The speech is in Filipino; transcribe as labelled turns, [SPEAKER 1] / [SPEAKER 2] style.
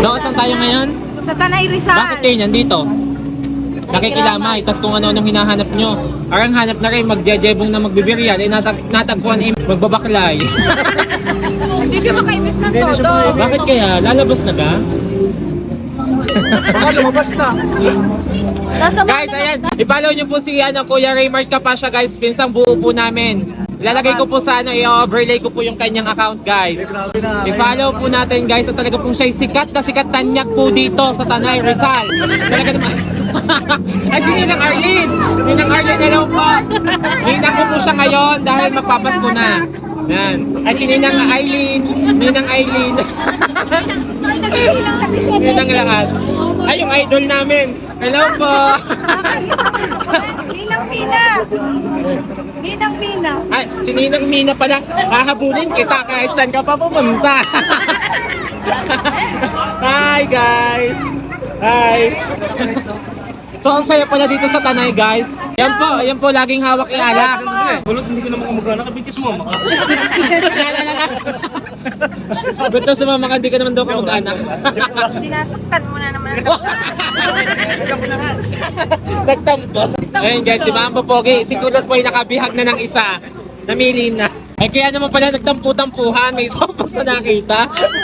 [SPEAKER 1] So, saan tayo ngayon?
[SPEAKER 2] Sa Tanay Rizal.
[SPEAKER 1] Bakit kayo nandito? Nakikilamay, tas kung ano-anong hinahanap nyo. Arang hanap na rin, magjejebong na magbibirian, eh natagpuan eh, magbabaklay.
[SPEAKER 2] Hindi siya makaimit ng todo.
[SPEAKER 1] Bakit kaya? Lalabas na ka?
[SPEAKER 3] Baka lumabas na.
[SPEAKER 1] Guys, ayan, i-follow nyo po si Kuya Raymart Capascia guys, pinsang buo po namin. Ilalagay ko po sa i-overlay ko po yung kanyang account guys.
[SPEAKER 3] Grabe na.
[SPEAKER 1] I-follow po natin guys, at talaga pong siya'y sikat na sikat tanyag po dito sa Tanay Rizal. Talaga naman. Ay, si Ninang Arlene! Ninang Arlene, hello po! Ninang ko po siya ngayon dahil magpapasko na. Yan. Ay, si Ninang Aileen. Ninang Aileen. Ninang lahat. Ay, yung idol namin. Hello po!
[SPEAKER 2] Ninang Mina. Ninang Mina.
[SPEAKER 1] Ay, si Ninang Mina pala. Hahabulin kita kahit saan ka pa pumunta. Hi guys! Hi! So, ang saya pala dito sa Tanay guys. Yan po, laging hawak yung alak.
[SPEAKER 3] Kulot, hindi ko naman kamagana. Kabigis mo, maka.
[SPEAKER 1] Ba't daw sumama ka, di ka naman daw kamag-anak.
[SPEAKER 2] Sinasaktan mo na naman.
[SPEAKER 1] Nagtampo. Ayun guys, di ba ang popogi? Si Kulot po ay nakabihag na ng isa. Namili na. Ay kaya naman pala nagtampu-tampuhan, may sopas na nakita.